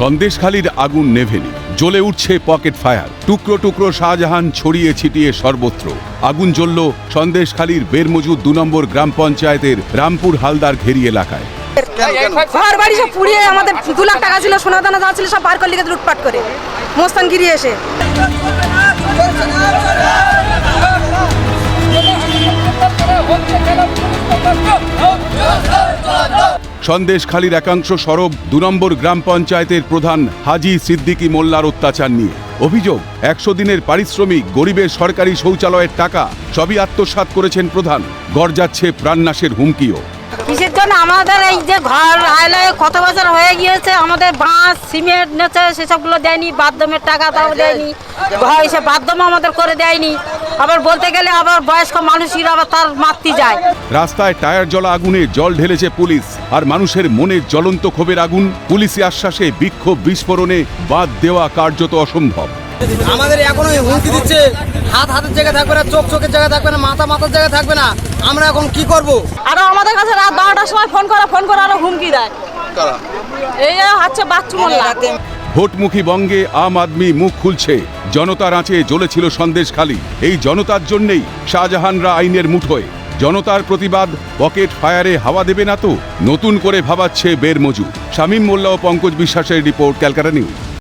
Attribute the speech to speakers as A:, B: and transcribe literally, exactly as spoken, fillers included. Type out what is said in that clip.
A: সন্দেশখালীর আগুন নেভেনি, জ্বলে উঠছে পকেট ফায়ার। টুকরো টুকরো শাহজাহান ছড়িয়ে ছিটিয়ে সর্বত্র। আগুন জ্বলল সন্দেশখালীর বেরমজুদ দু নম্বর গ্রাম পঞ্চায়েতের রামপুর হালদার ঘেরি এলাকায়।
B: ঘর বাড়ি সব পুড়িয়ে আমাদের দু লাখ টাকা ছিল, সোনা দানা যা ছিল সব বার করলে লুটপাট করে মোস্তানগিরি এসে।
A: সন্দেশখালীর একাংশ সরব দু নম্বর গ্রাম পঞ্চায়েতের প্রধান হাজি সিদ্দিকী মোল্লার অত্যাচার নিয়ে। অভিযোগ, একশো দিনের পারিশ্রমিক, গরিবের সরকারি শৌচালয়ের টাকা সবই আত্মসাৎ করেছেন প্রধান। গড়-যাচ্ছে প্রাণনাশের হুমকিও।
B: কিসের জন্য আমাদের এই যে ঘর আইলে কত বছর হয়ে গিয়েছে, আমাদের বাঁশ সিমেন্ট নেছে সেসবগুলো দেয়নি, বাথরুমের টাকা তাও দেয়নি, ঘর এসে বাথরুম আমাদের করে দেয়নি। আবার বলতে গেলে আবার বয়স্ক মানুষেরা আবার তার মাতৃ যায়।
A: রাস্তায় টায়ার জ্বলা আগুনে জল ঢেলেছে পুলিশ, আর মানুষের মনে জ্বলন্ত ক্ষোভের আগুন। পুলিশি আশ্বাসে বিক্ষোভ বিস্ফোরণে বাদ দেওয়া কার্যত অসম্ভব।
C: আমাদের এখনো হুমকি দিচ্ছে, হাত হাতের জায়গায় থাকবে না, চোখ চোখের জায়গায় থাকবে না, মাথা মাথার জায়গায় থাকবে না। আমরা এখন কি করব?
B: আরো আমাদের কাছে রাত বারোটার সময় ফোন করা ফোন করে আরো হুমকি দেয়। এই হচ্ছে বাচ্চু মোল্লা।
A: ভোটমুখী বঙ্গে আম আদমি মুখ খুলছে। জনতার আঁচে জ্বলেছিল সন্দেশখালী। এই জনতার জন্যেই শাহজাহানরা আইনের মুঠোয়। জনতার প্রতিবাদ পকেট ফায়ারে হাওয়া দেবে না তো? নতুন করে ভাবাচ্ছে বেরমজুদ। শামীম মোল্লা ও পঙ্কজ বিশ্বাসের রিপোর্ট, ক্যালকাটা নিউজ।